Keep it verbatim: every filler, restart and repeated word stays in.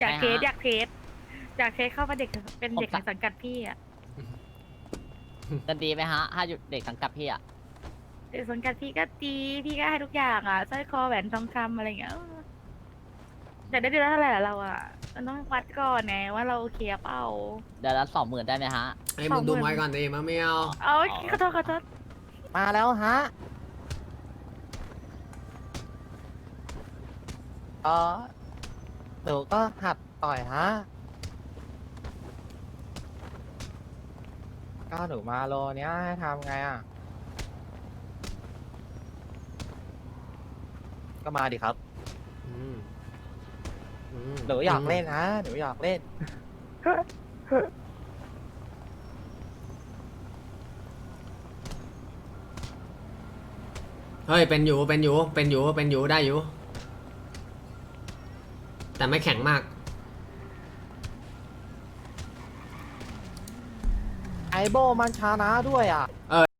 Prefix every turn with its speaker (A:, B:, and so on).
A: อยากเทส
B: ไปฮะ
A: อยากเทสอยากเทสเข้ามาเด็กเป็นเด็ก
B: ผม
A: ใน
B: สะ
A: สังกัดพี่อ่ะ
B: จะดีไหมฮะ ถ้าหยุดเด็กสังกัดพี่อ่ะ
A: เด็กสังกัดพี่ก็ดีพี่ก็ให้ทุกอย่างอ่ะสร้อยคอแหวนทองคำอะไรเงี้ยเออแต่ได้เดือนละเท่าไหร่ล่ะเราอ่ะมันต้องวัดก่อนไงว่าเราโอเคเปล่า
B: เดือนละสองหมื่นได้ไหมฮะ
C: ไอ้มึงดูไม้ก่อนดิมาไม่เอา
A: เอาขอโทษขอโทษ
D: มาแล้วฮะเออหนูก็หัดต่อยฮะ ก็หนูมาโลเนี้ยให้ทำไงอ่ะ ก็มาดิครับ
C: อืมอืม
D: หนูอยากเล่นนะ หนูอยากเล่น
C: เฮ้ยเป็นอยู่เป็นอยู่เป็นอยู่เป็นอยู่ได้อยู่ แต่ไม่แข็งมาก
D: ไอโบมันชานะด้วยอ่ะ